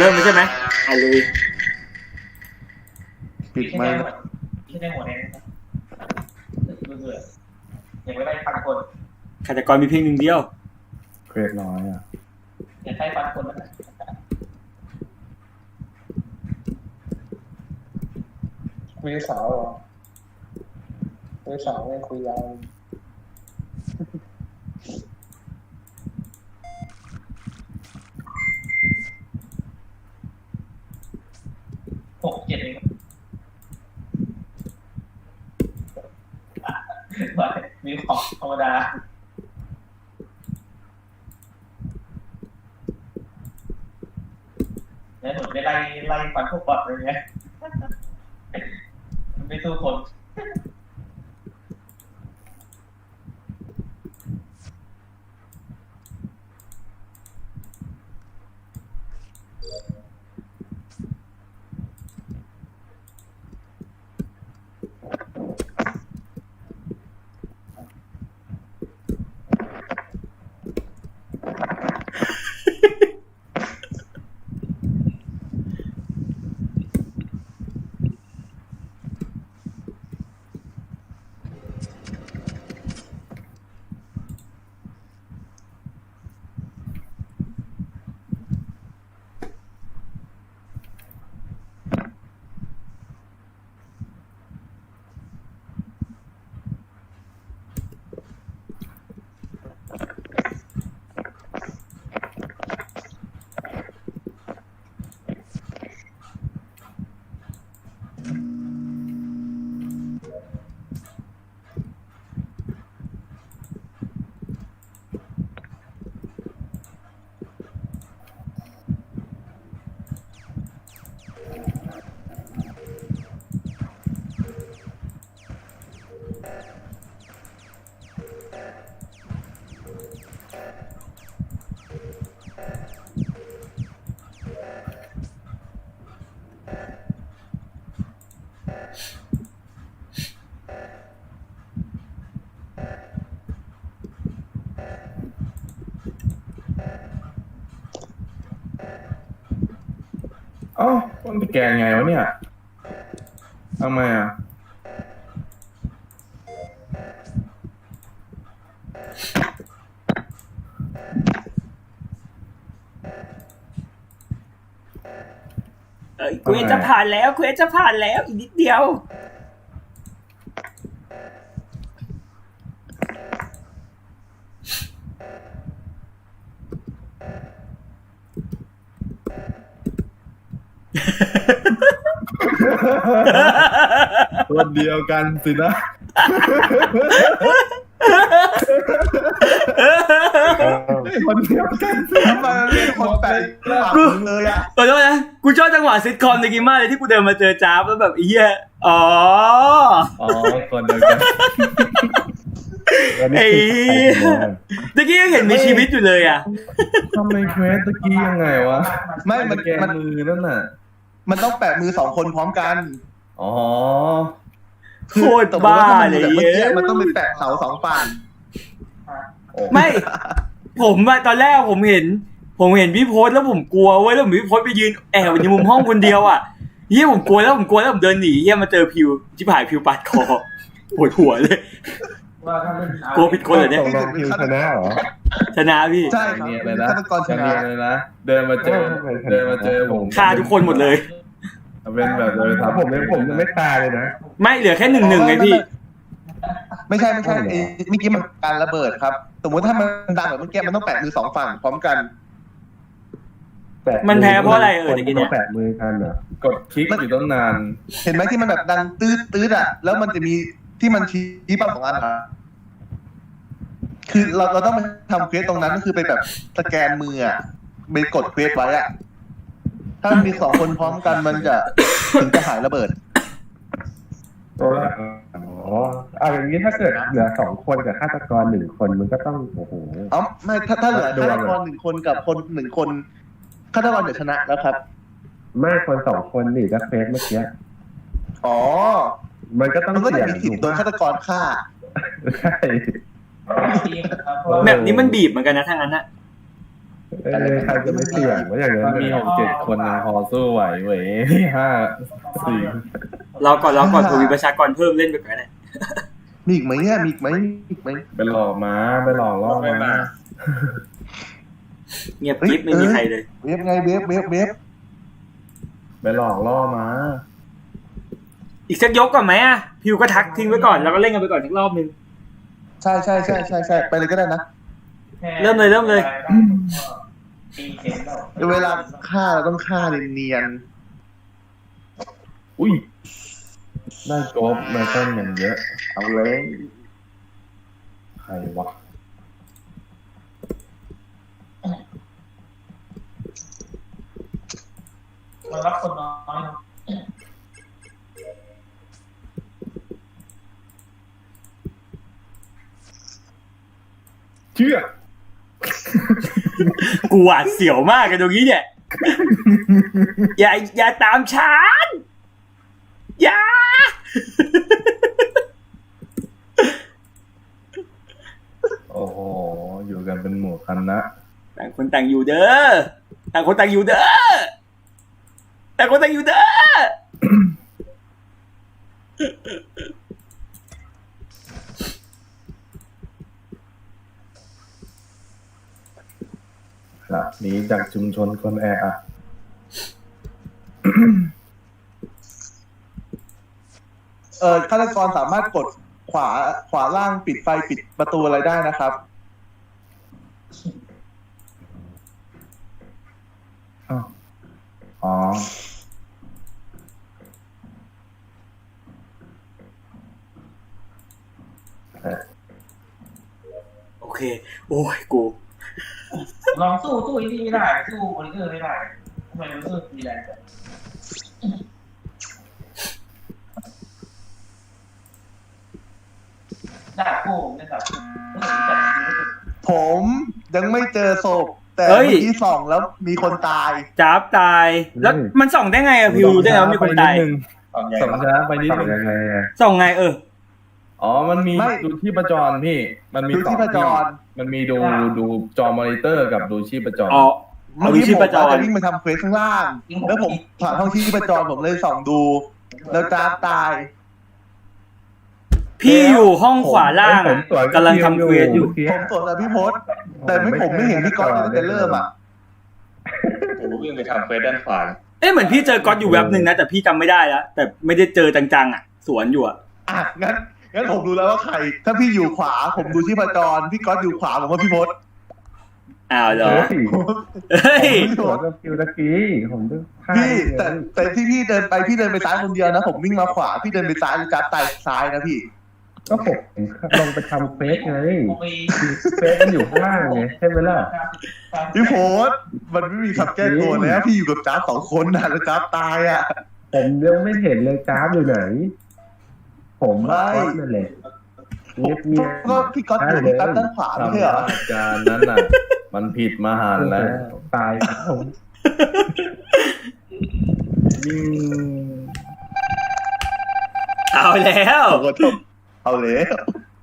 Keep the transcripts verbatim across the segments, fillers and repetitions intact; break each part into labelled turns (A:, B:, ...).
A: เริ่มเลยใช่ไหมเอาเลย
B: ปิดไมค์
C: ที่ได้หมดเองนะครับเบื่อๆยังไม่ได้พันคน
A: ฆาตกรมีเพียงหนึ่งเดียว
B: เกรดน้อยอ่ะ
C: อยากได้พันคนแล้วนะมีสาวเหรอมีสาวไม่คุยยาวหกเจ็ดเองมีของธรรมดาเนี่ยหนูได้ไล่ไล่ฟันพวกบอทเลยเนี่ยไม่สู้คน
B: อ๋อมันไปแกงไงวะเนี่ยทำไมอ่ะ
A: เอ้ยเควสจะผ่านแล้วเควสจะผ่านแล้วอีกนิดเดียว
B: คนเดียวกันสินะคนเดียวกันสิทำไมเรียกคนแปลกกูเลยอ่ะ
A: ขอโทษนะกูชอบจังหวะซิทคอมในกิมมากเลยที่กูเดินมาเจอจ้าบแล้วแบบไอ้เหี้ยอ๋อ
B: อ๋อคนเดียวกัน
A: ไอ้ตะกี้ยังเห็นมีชีวิตอยู่เลยอ่ะ
B: ทำไมเควสตะกี้ยังไงวะ
D: ไม่มัน
B: แกนมือนั่นน่ะ
D: มันต้องแปะมือสองคนพร้อมกัน
B: อ๋อ
A: โคตรบ้าเลย
D: เมื่อ
A: เย้
D: กี้มันต้องเป็นแปะเสาสองฝั่ง
A: ไม่ผมอะตอนแรกผมเห็น ผมเห็นพี่โพสแล้วผมกลัวเว้ยแล้วผมพี่โพสไปยืนแอบอยู่ในมุมห้องคนเดียวอ่ะเฮียผมกลัวแล้วผมกลัวแล้วผมเดินหนีเฮียมาเจอพิวชิบหายพิวปาดคอปวดหัวเลยกลัวผิดคนเหรอเนี่ย
B: ตกลงพิวชนะเหรอ
A: ชนะพี่
D: ใช่ครับ
B: เนียนเลยนะ
D: ฆาตกรช
B: เนี
D: นะ
B: ยนเลยนะเดินมาเจอเดินมาเจอผม
A: ฆ่าทุกคนหมดเลย
B: เป็นแบบเลยทำผมยังผมยังไม่ตายเลยนะ
A: ไม่เหลือแค่หนึ่งหนึ่งไงพี่
D: ไม่ใช่ไม่ใช่ไอ้เมื่อกี้มันการระเบิดครับ สมมติถ้ามันดังแบบเมื่อกี้มันต้องแปะมือสองฝั่งพร้อมกัน
A: มันแพ้เพราะอะไรเออเดี๋ยวกินเนี่ย
B: แปะมือกันเหรอกดคลิกอยู่ตั้งนาน
D: เห็นไหมที่มันแบบดังตืดตืดอ่ะแล้วมันจะมีที่มันชี้เป้าของอันอ่ะคือเราเราต้องไปทำเควสตรงนั้นก็คือไปแบบสแกนมืออ่ะไปกดเควสไว้อ่ะถ้ามันมีสองคนพร้อมกันมันจะถึงจะหายระเบิด
B: ตัวละอ๋อเอาอย่างนี้ถ้าเกิดเหลือสองคนกับฆาตกรหนึ่งคนมันก็ต้องโอ้โห
D: อ๋อไม่ถ้าถ้าเหลือฆาตกรหนึ่งคนกับคนหนึ่งคนฆาตกรจะชนะแล้วครับ
B: ไม่คนสองคนนี่ก็เฟสเมื่อกี้
D: อ๋อ
B: มันก็ต้อง
D: มันก็จะ
B: เสี่ยง
D: มีสิทธิ์โดนฆาตกรฆ่า
B: ใช่
A: แบบนี้มันบีบเหมือนกันนะทั้งนั้นนะ
B: เอ้ยใครจะไม่เสี่ยงว่าอย่างนั้
E: มัน นมีหกเจ็ดคนยังพอสู้ไหวเว้ยห้าสี่
A: เราก่อนเราก่อนทวีประชากรเพิ่มเล่นไปก่อนเนี่ย
D: มีอีกไหมเนี่ยมีอีกไหมมีอีกไหม
E: ไปหลอกม้าไปหลอกล่อม้า
A: เงียบกิ๊บไม่มีใครเลย
D: เวฟไงเวฟเวฟเวฟ
E: ไปหลอกล่อม้า
A: อีกสักยกก่อนไหมอ่ะพิวก็ทักทิ้งไว้ก่อนแล้วก็เล่นกันไปก่อนสักรอบนึง
D: ใช่ใช่ใช่ใช่ใช่ไปเลยก็ได้นะ
A: เริ่มเลยเริ่มเลย
D: เวลาฆ่าเราต้องฆ่าเนียน
E: อุ้ยได้โจ๊บมาต้นอย่างเยอะ
D: ๆเอาเลย
E: ใครวะ
C: มันรับคนน้อยเนาะ
E: เชื่อ
A: กูหวาดเสียวมากกันตรงนี้เนี่ย อย่าอย่าตามฉันอย่า
E: โอ้โหอยู่กันเป็นหมู่คณะ
A: ต่างคนต่างอยู่เด้อต่างคนต่างอยู่เด้อต่างคนต่างอยู่เด้อ
E: ครับหนีจากชุมชนคนแออัด
D: เออฆาตกรสามารถกดขวาขวาล่างปิดไฟปิดประตูอะไรได้นะครับ
E: อ้าวอ๋อ
A: โอเคโอ้ยกู
C: ลองสู้สู้อีนี่ไม่ได้สู้มอนิเตอร์ไม่ได้ทำไมมันสู้ดีแรงจังดาบคู่เนี่ยดาบคู่เฮ้ยจับจริงๆ
D: ผมยังไม่เจอศพแต่
A: เฮ้ย
D: เมื่อกี้ส่องแล้วมีคนตาย
A: จับตายแล้วมันส่องได้ไงอะพิวได้ไงว่ามีคนตาย
E: สองช้าไปนิด
B: ทำ
E: นึ
B: ยัง งไงอะ
A: ส่องไงเออ
E: อ๋อมันมี
D: ไม่
E: ดูที่ประจรพี่ มันมี
D: ดูที่
E: สอง
D: ประจร
E: มันมีดูดูจอมอนิเตอร์กับดูชีพจร
A: อ๋อเอา
D: เมื่อ
A: ดู
D: กี้
A: ชี
D: ผม
A: พจร
D: จะวิ่งไปทำเควสข้างล่าง แล้วผมผ่านห้องที่ประจรผมเลยส่องดู แล้วจ้าบตาย
A: พี่อยู่ห้องขวาล่าง
B: ผ
A: อะ
B: มสวน
A: กำลังทำเควสอยู่
B: มื่กี้
D: ผมสวนกับพี่พศแต่ไม่ผมไม่เห็นพี่ก๊อตตั้งแต่เริ่มอ่ะ
F: ผมวิ่งไปทำเฟซด้านขวา
A: เอ๊ะเหมือนพี่เจอก๊อตอยู่แวบหนึ่งนะแต่พี่จำไม่ได้แล้วแต่ไม่ได้เจอจังๆอ่ะสวนอยู่อ่ะ
D: อ่ะงั้นงั้นผมรู้แล้วว่าใคร ถ้าพี่อยู่ขวา ผมดูที่ประจรพี่ก๊อตอยู่ขวาผมว่าพี่พศ
A: อ้าวเหรอ
B: เฮ้ย
A: เฮ้ย
B: ผมสวนกับคิวตะกี้ผมต้องฆ่า
D: พี่แต่แต่ที่พี่เดินไปพี่เดินไปซ้ายคนเดียวนะ ผมวิ่งมาขวาพี่เดินไปซ้ายแล้วจ้าบตายซ้ายนะพี่
B: ก็ผมลงไปทำเฟสไง
C: ผมไป
B: เฟสมันอยู่ข้างล่างไงใช่ไหมล่ะ
D: พี่โพสมันไม่มีคำแก้ตัวแล้วพี่อยู่กับจ้าบสองคนนะแล้วจ้าบตายอ่ะ
B: ผมยังไม่เห็นเลยกราฟอยู่ไหน ผม
D: ไม่
B: ก๊อตนั่นแหละเงียบเงียบ
D: ก็พี่ก๊อตอยู่ที่ด้านขวาไม่ใช่เหรอ
E: ทำอาการนั้นน่ะ มันผิดมหันต์แล้ว
B: ตายผม
E: ยิ่ง
A: เอาแล้ว
D: เอาเลย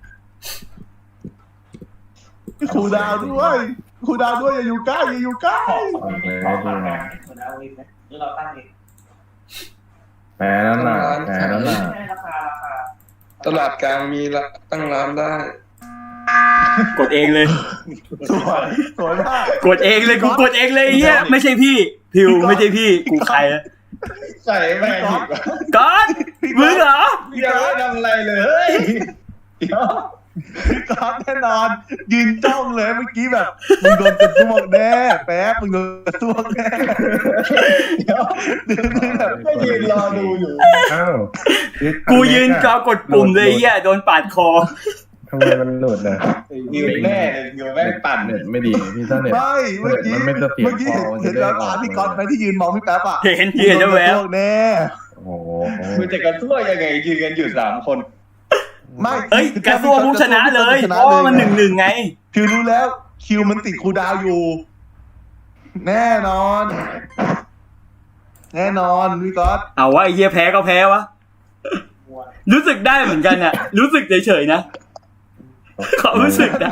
D: ครูดาวด้วยครูดาวด้วยอย่าอยู่ใกล้อย่าอยู่ใกล้
E: โอเค
C: ขอ
E: ดู
C: ฝาก
E: หน่อย
C: เหมือนเอาเองนะหรือเราตั้งเอง
E: แผลนั้นน่ะแผลนั้นน่ะ
C: ให้ราคาราคา
F: ตลาดกลางมีละตั้งร้านได้
A: กดเองเลย
D: สวยสวยมาก
A: กดเองเลยกูกดเองเลยไอ้เฮียไม่ใช่พี่พิวไม่ใช่พี่กูใครอะ
F: ใส่แม่งอีก
A: ก๊อตมึงเหรอ
F: ยังไม่ทำอะไรเลย
D: พี่ก๊อตแน่นอน ยืนจ้องเลยเมื่อกี้แบบมึงโดนกระซวกแน่แป๊บมึงโดนกระซวกแน่เดี๋ยวเดินแบบ
F: ก็ยืนรอดูอยู่
B: อ้าว
A: กูยืนกากดปุ่มเลยไอ้เฮียโดนปาดคอ
B: ทำไมมันหลุดอ่ะ
F: ยืนแน่เลยยืนแม่งปั่น
E: เน็ตไม่ดีพี่ถ้าเน็ต
D: ไม่เมื่อกี้
E: มันไม่เสถียร
D: เมื่อกี้เห็น
E: พอมันจะ
D: เห็น
E: ได้
D: แล้ว
E: อ
D: ตา
E: อก
D: พี่ก๊อตไหมที่ยืนมองพี่แป๊บอ่ะ
A: เห็นเห็นแล้วแวว
D: มึงโดนกระซวกแน่
E: โอ้โห
F: คุณจะกระทั่วยังไงยืนกันอยู่สามคน
D: ไม่
A: เอ้ยกระซวกผู้ชนะเลยเพราะว่ามันหนึ่งหนึ่งไง
D: คิวรู้แล้ว คิวมันติดครูดาวอยู่ แน่นอน แน่นอนพี่ก๊อต
A: เอาว่าไอ้เฮียแพ้ก็แพ้วะรู้สึกได้เหมือนกันอะรู้สึกเฉยๆนะความรู้สึกนะ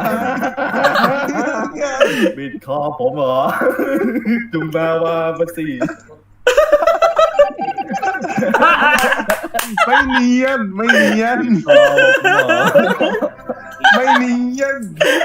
E: บิดคอผมเหรอ จุงแปลว่าภาษี
D: ไม่เนียนไม่เนียน
E: คอผมเหรอ
D: ไม่เนียน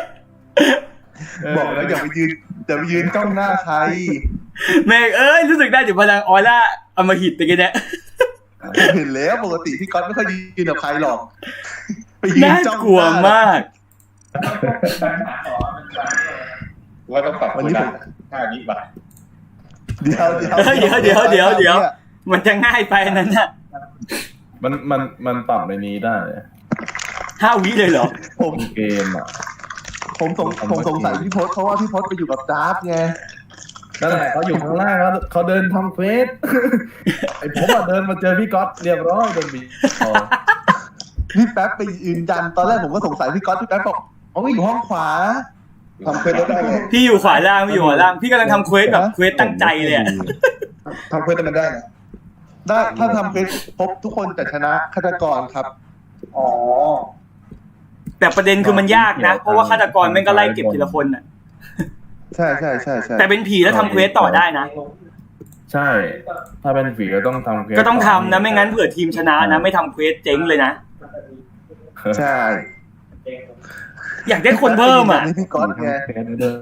D: บอกแล้วอย่าไปยืนอย่าไปยืนจ้องหน้าใคร
A: แม่งเอ้ยรู้สึกได้ถึงพลังออร่าอมหิตตะกี้เนี่ย
D: ผมเห็นแล้วปกติพี่ก๊อตไม่ค่อยยืนกับใครหรอกไปยืน
A: น่า
D: จ้อง
A: กลัวมาก
C: ปัญหาต่อมันจะ
F: ว่าต้องปรับวันนี้ท่านี้ป่ะ
D: เดี๋ยวเดี๋ยว
A: เดี๋ยวเดี๋ยวเดี๋ยวเดี๋ยว มันจะง่ายไปอันนั้นน่ะ
E: มันมันมันปรับในนี้ได้
A: ห้าวิเลยเหรอ
D: ผม
E: เกมอ่ะ
D: ผมสงผมสงสัยพี่พศเพราะว่าพี่พศไปอยู่กับจ๊าบไง
E: นั่นแหละเขาอยู่ข้างล่างแล้วเขาเดินทำเฟส ไอผมอ่ะเดินมาเจอพี่ก๊อตเรียบร้อยโดนบีบคอ
D: พี่แป๊บไปยืนยันตอนแรกผมก็สงสัยพี่ก๊อตพี่แป๊บบอกเขาอยู่ห้องขวา
F: ทำเควสได้ไง
A: พี่อยู่ขวาล่างพี่อยู่ขวาล่างพี่กำลังทำเควสแบบเควสตั้งใจเลยอะ
F: ทำเควสมันได้นะ
D: ได้ถ้าทำเป็นครบทุกคนจะชนะฆาตกรครับ
C: อ๋อ
A: แต่ประเด็นคือมันยากนะ เพราะว่าฆาตกรแม่งก็ไล่เก็บทีละคนน่ะ
D: ใช่ใช่ใช่ใช่
A: แต่เป็นผีแล้วทำเควสต่อได้นะ
E: ใช่ ถ้าเป็นฝีก็ต้องทำเฟส
A: ก็ต้องทำนะไม่งั้นเผื่อทีมชนะนะไม่ทำเควสเจ๊งเลยนะ
D: ใช่
A: อยากได้คนเพิ่มอ่ะ
D: นี่พี่ก๊อตไง
B: เฟซด้วย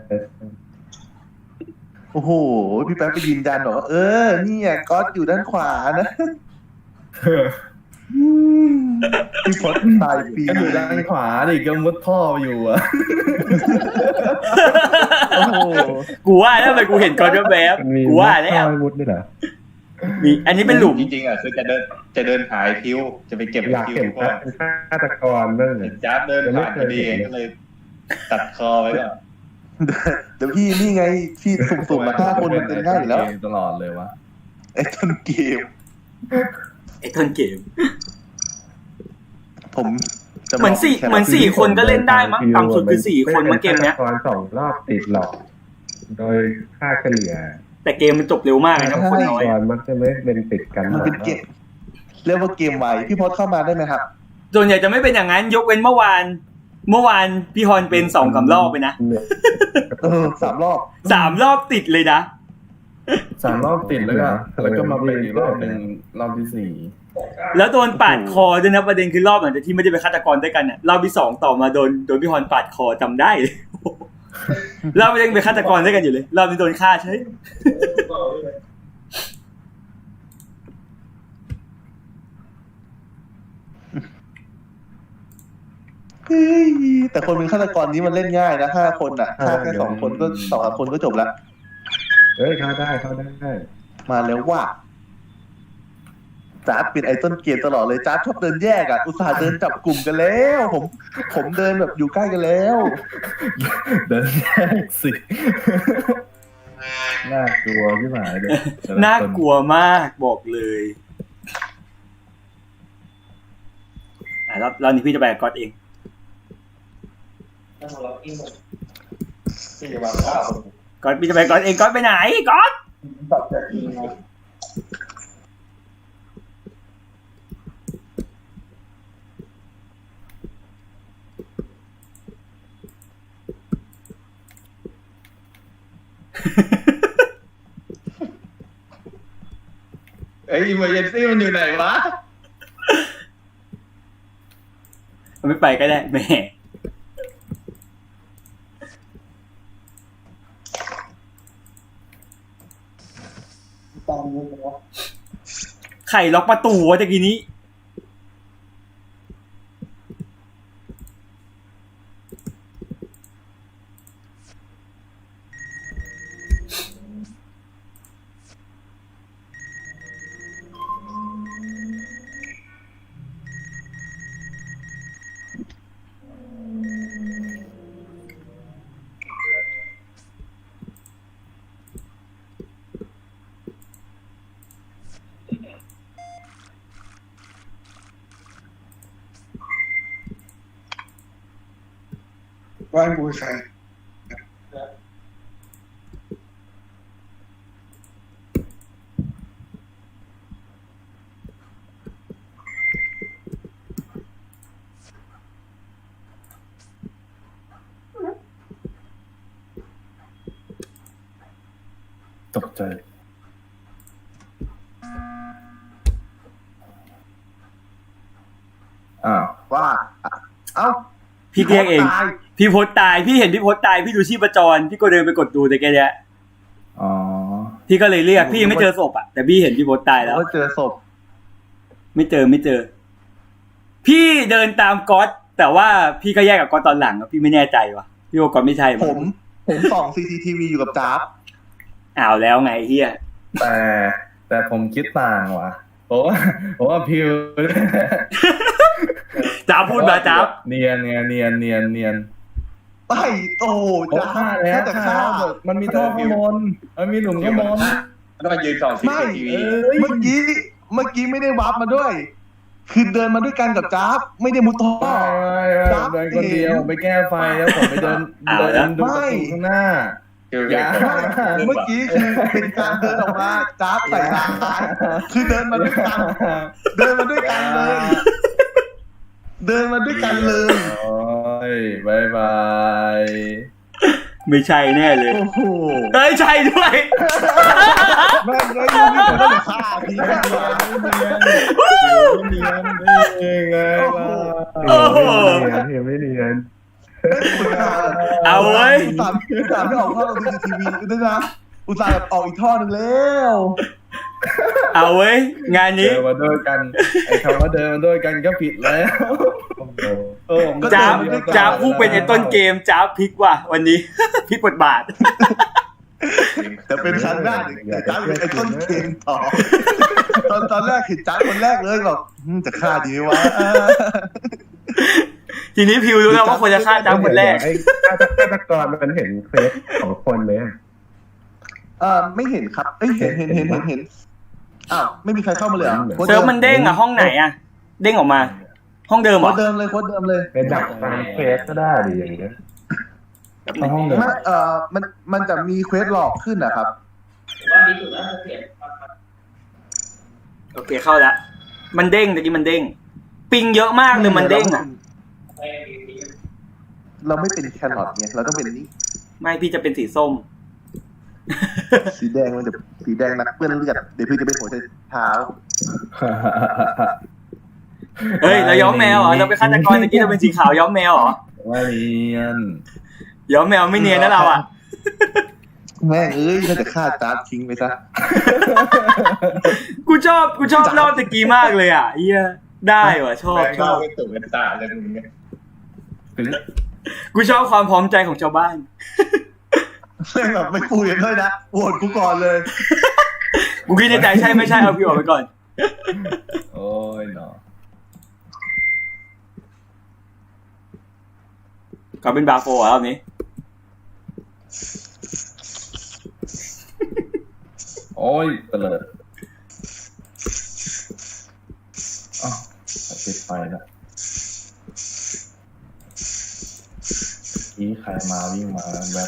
D: โอ้โหพี่แป๊บไปยืนยันบอกว่าเออเนี่ยก๊อตอยู่ด้านขวานะพี่พศตายปี
E: ก็อยู่ด้านขวาดิก็มุดท่ออยู่อ่ะ
D: โอ้โห
A: กูว่าแล้วทำไมกูเห็นก่อนแวบ
B: มันมี
A: ๆกูว่าแล้ว
B: ข้อมุดด้วยเหรอ
A: มีอันนี้เป็นหลุม
F: จริงๆอ่ะคือจะเดินจะเดินหายคิ้วจะไปเก็บ
B: อยาก
F: คิ้ว
B: เห็น
F: เพราะ
B: ฆาตกรบ้างเล
F: เห็
B: ย
F: นจ้าบเดินผ่านพอดีก็เลย ตัดคอไว้ก่อน
D: เดี๋ยวพี่นี่ไงพี่สุ่มๆมาห้าคนมันเป็นง่ายอยู่แล้ว
E: ตลอดเลยวะ
D: ไอ้ต้นเกม
A: ไอ้ต้นเกม
D: ผมจะ
A: เหมือนสี่
D: แค่
A: เหมือนสี่คนก็เล่นได้มั้งต่ำสุดคือสี่คนมั้งเกมเนี้ย
B: ฆาตกรสองรอบติดหรอก โดยค่าเฉลี่ย
A: แต่เกมมันจบเร็วมากเลยนะคนน้อย
B: ฆาตกรมักจะไม่เป็นติดกัน
D: มันเป็นเกมเรียกว่าเกมไวพี่พศเข้ามาได้ไหมครับ
A: ส่วนใหญ่จะไม่เป็นอย่างนั้นยกเว้นเมื่อวาน เมื่อวานพี่ฮอนเป็นสองสามรอบไปนะ
D: เออสามรอบ
A: สามรอบติดเลยนะ
E: สามรอบติดแล้วก็แล้วก็มาเป็นอีกรอบหนึ่งรอบที่สี่
A: แล้วโดนปาดคอด้วยนะประเด็นคือรอบหลังจากที่ไม่ได้เป็นฆาตกรด้วยกันน่ะรอบที่สองต่อมาโดนโดนพี่ฮอนปาดคอจำได้เลย รอบนี้ยังเป็นฆาตกรด้วยกันอยู่เลยรอบนี้โดนฆ่าใช่
D: เฮ้ยแต่คนเป็นฆาตกรนี้มันเล่นง่ายนะห้าคนอ่ะฆ่าแค่สองคนก็สองสามคนก็จบละ
B: เอ้ยเข้าได้เข้าได้
D: มาแล้วว่าจ๊าดเป็นไอ้ต้นเกมตลอดเลยจ๊าดชอบเดินแยกอ่ะอุตส่าห์เดินจับกลุ่มกันแล้ว ผม ผมเดินแบบอยู่ใกล้กันแล้ว
E: เดินแยกสิ น่ากลัวที่หมายเลย
A: น่ากลัวมากบอกเลยอ่ะรอบรอบนี้พี่จะไปกับก๊อตเอง
C: นั่งรอกินหมดที่จะวางข้าว
A: ก๊อตพี่จะไปก๊อตเองก๊อตไปไหนก๊อต
C: แบบจะกินไง
F: เอ้ยอิมเมอร์เจนซี่มันอยู่ไหนวะ
A: มันไม่ไปก็ได้แหม่ไข่ล็อกประตูวะตะกี้นี้
F: ว่านบูชา
E: ใจอ้าว
D: ว่า เอ้า
A: พี่เรียกเอง
D: ตาย
A: พี่พศตายพี่เห็นพี่พศตายพี่ดูชีพจรพี่ก็เดินไปกดดูแต่แกเนี้ย
E: อ๋อ
A: พี่ก็เลยเรียกพี่ยังไม่เจอศพอ่ะแต่พี่เห็นพี่พศตายแล้ว
D: ก็เจอศพ
A: ไม่เจอไม่เจอ พี่เดินตามก๊อตแต่ว่าพี่ก็แยกกับก๊อตตอนหลังอะพี่ไม่แน่ใจว่ะพี่ว่าก๊อตไม่ใช่
D: ผม ผมส่อง ซี ซี ที วี อยู่กับจ๊าบ
A: อ้าวแล้วไงเฮีย
E: แต่แต่ผมคิดต่างว่ะเพราะว่าเพราะว่าพิว
A: จ้าพูดมาจ้า
E: เนียนเนียนเนียนเนียนเนียน
D: ไปโอ้
E: โอ้
D: จ๊า
E: ฆ่า
D: บ
E: แล้
D: แค่
E: ว
D: แต่
E: ฆ่า
D: ฆ่า
E: แล้วมันมีท่อข้างบนมันมีหลุมข้างบน
F: แล้วมายืนส่องซี
D: ไม่
F: ทีวี
D: เมื่อกี้ เมื่อกี้ไม่ได้วาร์ปมาด้วย คือเดินมาด้วยกันกับจ๊าบไม่ได้มุดท่อ
E: ไม่ไม่เดินคนเดียวไปแก้ไฟแล้วผมไปเดินเดินดูประตูข้างหน้า
F: คือ
E: อย่า
D: เมื่อกี้คือเป็นการเดินออกมาจ๊าบใส่ร้ายคือเดินมาด้วยกัน เดินมาด้วยกันเลย เดินมาด้วยกันเลย
E: โอ้ยบายบาย
A: ไม่ใช่แน่เลย
D: โอ้โห
A: เอ้ยใช่ด้วย
D: แม่งเลยยังไม่ควรต้องฆ่าทีแม่งเลย
E: เนียนเนียนไงล่ะ
A: โอ้โห
B: เนียนไม่เนียน
A: เอาเว้ย
D: อุตส่าห์อุตส่าห์ไม่ออกท่อทีวีทีวีด้วยนะอุตส่าห์แบบออกอีกท่อหนึ่งแล้ว
A: เอาเว้ยงาน
E: เดิ
A: นี้
E: นมาด้วยกันไอ้คำว่าเดินมาด้วยกันก็ผิดแล้วโอ้ผม
A: จ้าบจ้าบผู้เป็นไอ้ต้นเกมจ้าบพลิกว่ะวันนี้ พลิกบทบาท
D: แต่เป็นครั้งแรกเห็นจ้าเป็นไอ้ต้นเกมต่อตอนตอนแรกเห็นจ้าคนแรกเลยแบบอืมจะฆ่าดีไหมวะ
A: ทีนี้พิวรู้แล้วว่าควรจะฆ่าจ้าบคนแรก
B: ไอ้ฆาตกรมันเห็นเฟซของคนไหมอะ
D: เออไม่เห็นครับเอ้ยเห็นเห็นเห็นเห็นเห็นอ้าวไม่มีใครเข้ามาเลยเหรอ
A: เซิร์ฟมันเด้งอะห้องไหนอะเด้งออกมา ห้องเดิมเห
D: โค้
A: ร
D: ด
A: อ
D: เดิมเลยโค้ดเดิมเลย
B: เป็นดักตามเฟซก็ได้ดิอย่างเงี้ย
E: ห้องเดิม
D: ไม่เอ่อมันมันจะมีเควสหลอกขึ้นนะครับ
C: ว่ามีสุดแล้วเปลี่ยน
A: โอเคเข้าละมันเด้งตะกี้มันเด้ง ปิงเยอะมากเลยมันเด้งอะ
C: ไม่มี
D: เราไม่เป็นแครอทไงเราต้องเป็นนี่
A: ไม่พี่จะเป็นสีส้ม
D: สีแดงมันจะสีแดงนักเปื้อนเลือดเดี๋ยวพี่จะเป็นหัวใจเท้า
A: เฮ้ยเราย้อมแมวเหรอเราเป็นฆาตกรตะกี้เราเป็นสีขาวย้อมแมวเหรอ
E: ว่าเนียน
A: ย้อมแมวไม่เนียนนะเราอะ
D: แม่งเอ้ยน่าจะฆ่าจ้าบทิ้งไปซะ
A: กูชอบกูชอบรอบตะกี้มากเลยอ่ะเฮียได้ว่ะชอบ
F: แม่ง
A: ช
F: ก็
A: อบ
F: เป็นตุ่เป็นตาเลยมึงเนี่ย
A: กูชอบความพร้อมใจของชาวบ้าน
D: แม่งแบบไม่คุยกันด้วยนะโหวตกูก่อนเลย
A: กูคิดในใจใช่ไม่ใช่เอาพี่ออกไปก่อน
E: โอ้ยเนาะ
A: ก็เป็นบาโฟอ่ะรอบนี้
E: โอ้ยเตลิดอ้าวปิดไฟแล้วนี่ใครมาวิ่งมาแบบ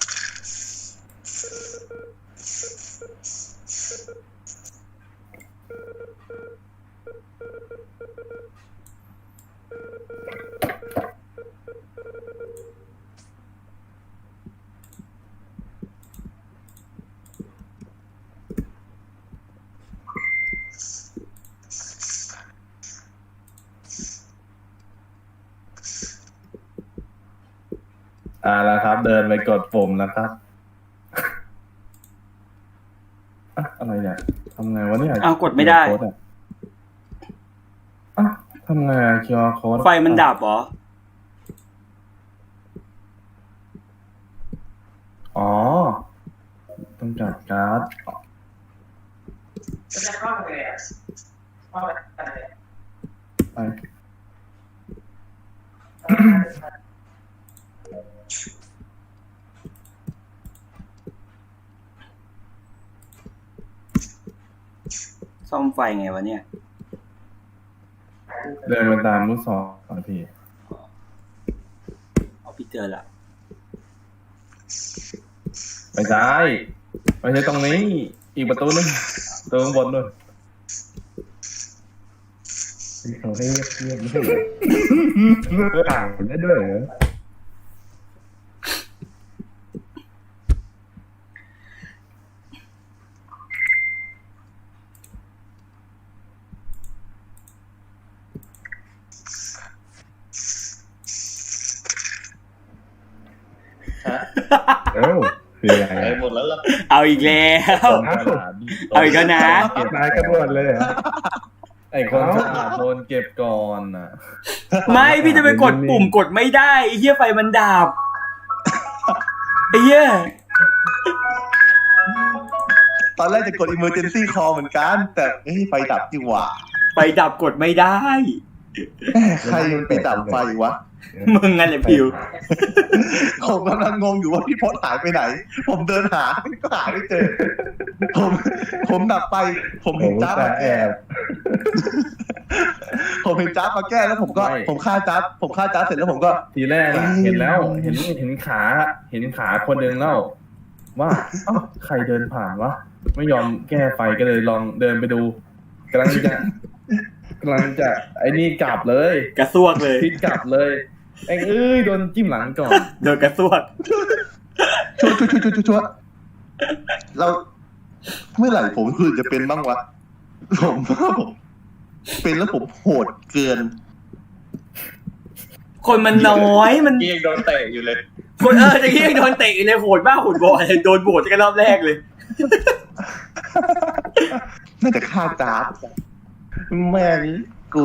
E: อ่าแล้วครับ เดินไปกดปุ่มนะครับอะอะไรเนี่ยทำไงวะเนี่ย
A: อ้าวกดไม่ได้
E: คิวอาร์ โค้อะอ่ะทำไงคิวอาร์ code
A: ไฟมันดับเหรอ
E: อ๋อ ต้องจัดการ์ด
C: จะเข้าไปเลยอ่ะเข้าไปเลย
E: ไป
A: ซ่อมไฟไงวะเนี่ย
E: เดินไปตามลูกศรก่อนพี่
A: เอาพี่เจอละ
E: ไม่ใช่ไม่ใช่ตรงนี้ อีกประตูนึงประตูข้างบนด้วย
B: เขาให้เงียบเงียบไม่ใช่เหรอต่างได้ด้วยเหรอ
A: พ
B: คืออะไร
F: ไปหมดแล้วล่ะ
A: เอาอีกแล้ว เอาอีกแล้วนะ
B: นายกระโดดเลยเหรอ
E: ไอ้คนฉลาดโดนเก็บก่อนน่ะ
A: ไม่พี่จะไปกดปุ่มกดไม่ได้ไอ้เหี้ยไฟมันดับไอ้เหี้ย
D: ตอนแรกจะกด emergency call เหมือนกัน แต่เฮ้ยไฟดับจริงว่ะ
A: ไฟดับกดไม่ได้
D: ใครมันไปดับไฟวะ
A: มึงงั้นแหละพิว
D: ผมกำลังงงอยู่ว่าพี่พศหายไปไหน ผมเดินหาก็หาไม่เจอ ผมผมดับไป ผม
B: ผ
D: เห็น
B: ม
D: จ้าบ
B: จะ
D: มา
B: แอ
D: แก้
B: บ
D: ผมเห็นจ้าบมาแก้แล้วผมก็ ผมฆ่าจ้าบผมฆ่าจ้าบเสร็จแล้วผมก็
E: ทีแรกอะเห็นแล้วเห็นเห็นขาเห็นขาคนหนึ่งแล้วว่าเอ้าใครเดินผ่านวะไม่ยอมแก้ไฟก็เลยลองเดินไปดูกำลังจะกำลังจะไอ้นี่กลับเลย
A: กระซวกเลย
E: พลิกกลับเลยไอ้เอ้ยโดนจิ้มหลังก่อน
A: โดนกระซวก
D: ชัวชัวชัวชัวชัวเราเมื่อไหร่ผมคือจะเป็นบ้างวะผมว่าผมเป็นแล้วผมโหดเกิน
A: คนมันน้อยมัน
F: เกียงโดนเตะอยู่เลย
A: คนเออจะเรียกโดนเตะเลยโหดบ้าโหดบอยโดนโบดกันรอบแรกเลย
D: น่าจะฆ่าจ้าบแม่งกู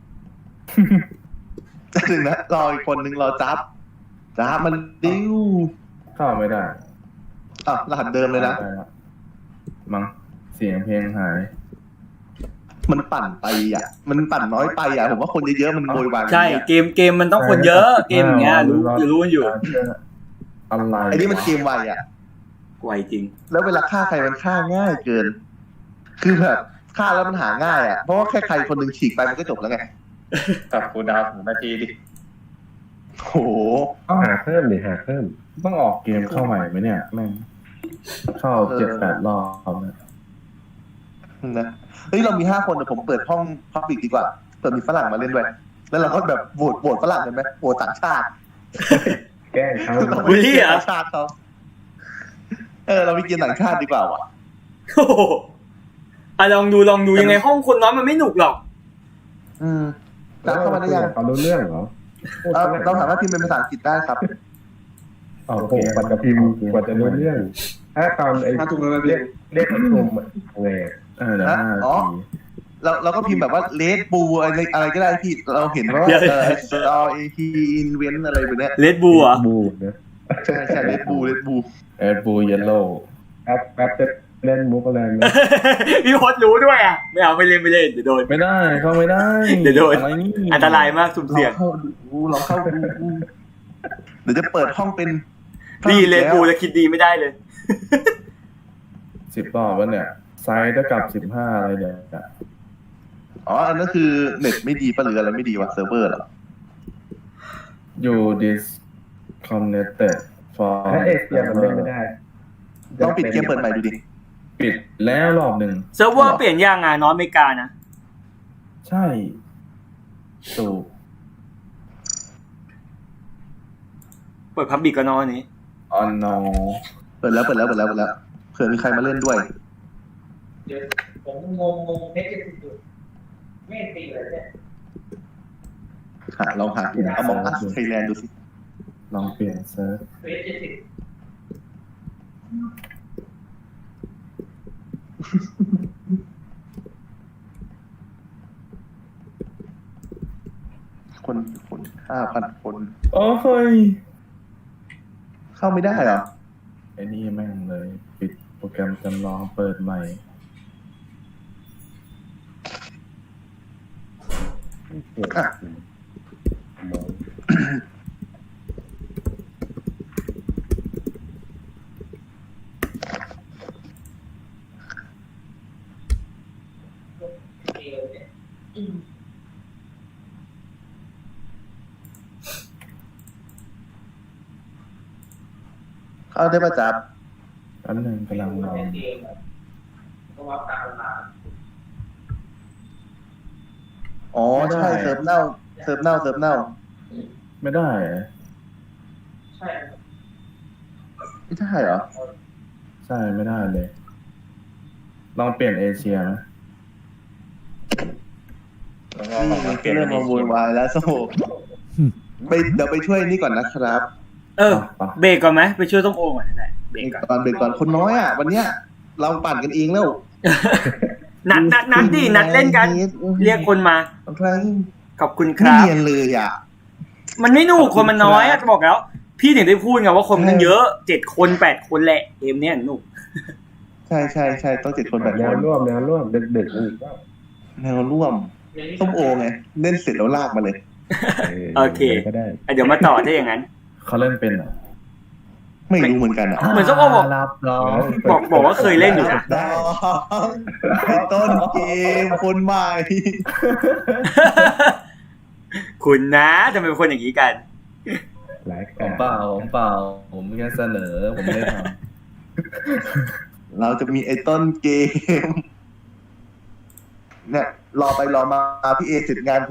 D: จะถึงนะรออีกคนนึงรอจ้าบจ้าบมันดิ้ว
E: เข้าไม่ได้
D: อ่ะรหัสเดิมเลยนะ
E: ได้แล้วมั้งเสียงเพลงหาย
D: มันปั่นไปอ่ะ มันปั่นน้อยไปอ่ะ ผมว่าคนเยอะๆมันโวยวาย
A: ใช่เกมเกมมันต้องคนเยอะเกมอย่างเงี้ยรู้อยู่รู้กันอยู่
E: อะไร
D: ไอ้นี่มันเกมไวอ่ะ
A: ไวจริง
D: แล้วเวลาฆ่าใครมันฆ่าง่ายเกิน คือแบบฆ่าแล้วมันหาง่ายอ่ะ เพราะว่าแค่ใครคนหนึ่งฉีกไปมันก็จบแล้วไง
F: ตัดกูดาวถึงนาทีดิ
D: โห
B: หาเพิ่มดิหาเพิ่ม
E: ต้องออกเกมเข้าใหม่ไหมเนี่ยแม่งเข้าเจ็ดแปดรอบเนี่ย
D: นะเฮ้ยเรามีห้าคนเดี๋ยวผมเปิดห้องพับบิกดีกว่าเปิดมีฝรั่งมาเล่นด้วย แล้วเราก็แบบโหวตโหวตฝรั่งกันไหมโหวตต่างชาติ
B: แกล้งเขา
D: เรา
A: บูลลี่เหรอ
D: ต่างชาติเขาเออเราไปกินต่างชาติดีกว่าว่ะ
A: โอ้โหอ่ะลองดูลองดูยังไงห้องคนน้อยมันไม่หนุกหรอก
D: อืมจ้าบเข้ามาได้ยัง
B: เขารู้เรื่องเหรอ
D: เออเราสามารถพิมพ์เป็นภาษาอังกฤษได้ครับ
E: โอ
B: โอ้
E: เค
B: โหกว่าจะพิมพ์กว่าจะรู้เรื่องถ้าตอนไอ้
C: มาถูกแล้ว
B: เรียกเรียกประชุมอะไง
E: เออเดี๋ยวห้านา
D: อ๋อ
E: ที
D: เราเราก็พิมพ์แบบว่าเลดบูอะไรอะไรก็ได้พี่เราเห็นว่า
A: เดี๋ยว
D: เออ R A T invent อะไรแบบเนี้ย
A: เลดบูเหรอ
B: บูนะ
D: ใช่ใช่เลดบูเลดบู
E: เออบูเยลโล่
B: แป๊บแป๊บจะเล่นมุกอะไรไหม
A: พี่พอดรู้ด้วยอ่ะไม่เอาไม่เล่นไม่เล่นเดี๋ยวโดน
E: ไม่ได้เข้าไม่ได้
A: เดี๋ยวโดน
E: อะไรนี่
A: อันตรายมากสุ่ม
D: เรา
A: เสี่ยง
D: เข้าดูเราเข้าดูเดี๋ยวจะเปิดห้องเป็น
A: ดีเลดบูจะคิดดีไม่ได้เลย
E: สิบรอบแล้วเนี่ยไซส์เท่ากับสิบห้าอะไรเนี่ย
D: อ๋ออันนั้นคือเน็ตไม่ดีปะหรืออะไรไม่ดีวะเซิร์ฟเวอร์เหรอ
E: อยู่ disconnected for
B: ถ้าเอเชียมันเล่นไม่ได้
D: ต้องปิดเกมเปิดใหม่ดูดิ
E: ปิดแล้วรอบหนึ่ง
A: เซิร์ฟเวอร์เปลี่ยนยังอ่ะน้อยอเมริกานะ
E: ใช่ถูก
A: เปิดพับบิกก็น้อยนี้
E: ออนนอ
D: เปิดแล้วเปิดแล้วเปิดแล้วเปิดแล้วเผื่อมีใครมาเล่นด้วย
C: เดี๋ยวผมงงงงเพชรจะติดอยู่ไม่ตีเลยเนี่ย
D: หาลองหาเอามองอัสไทยแลนด์ดูสิ
E: ลองเปลี่ยนเซิร์ฟ
C: เพชรจะติด
D: คนคนห้าพันคน
E: โอ้ย
D: เข้าไม่ได้เหรอ
E: ไอ้นี่แม่งเลย ปิดโปรแกรมจำลองเปิดใหม่
D: อ่ะ
C: ตีเลยเนี่ยอืม
D: เข้าได้ประจับ
E: อันหนึ่งกำลังลอง
C: เตีเลยก็วัดตามเวลา
D: อ๋อใช่เซิร์ฟเน่าเซิร์ฟเน่าเซิร์ฟเน่า
E: ไม่ได้เหรอ
C: ใช่
D: ไม่ใช่เหรอ
E: ใช่ไม่ได้เลย ลองเปลี่ยนเอเชียไหม
F: แล้วก็ลองมาเปลี่ยน
D: เริ่มมาโวยวายแล้วโซ่ไปเดี๋ยวไปช่วยนี่ก่อนนะครับ
A: เออ เบรกก่อนไหมไปช่วยต้มโอก่อนก็ได้เบรกก่อน
D: ก่อนเบรกก่อนคนน้อยอ่ะ วันเนี้ย เราปั่นกันเองแล้ว
A: นัดนัดนัดดินัดเล่นกัน เรียกคนมา
D: ใคร
A: ขอบคุณค
D: ไม่
A: รับ
D: เนียนเลยอ่ะ
A: มันไม่หนุกคนมันน้อยอะจะบอกแล้ว พี่ถึงได้พูดไงว่าคนมันเยอะเจ็ดคนแปดคนแหละเกมเนี้ยหนุก
D: ใช่ใช่ใช่ต้องเจ็ดคนแบบ
B: แน
D: นี้
B: วร่วมแนวร่วมดึกๆอีกก็
D: แนวร่วมส้มโอไงเล่นเสร็จแล้วลากมาเลย
A: โอเค
B: ก็ได้
A: เดี๋ยวมาต่อถ้าอย่างนั้น
E: เขาเล่นเป็นเหรอ
D: ไม่รู้เหมือนกันอ่ะ
A: เหมือนส้มโอบอก
E: รับน้อง
A: บอกบอกว่าเคยเล่นอยู่นะ
D: น้องไอ้ต้นเกมคนใหม่
A: คุณนะทำไมเป็นคนอย่างนี้กัน
B: หลาย
E: ผ
B: กาม ร
E: เปล่าผมเปล่า ผมแค่เสนอ ผมไม่ได้ท
D: เราจะมีไอ้ต้นเกม เนี่ย รอไปรอมาพี่เอเสร็จงาน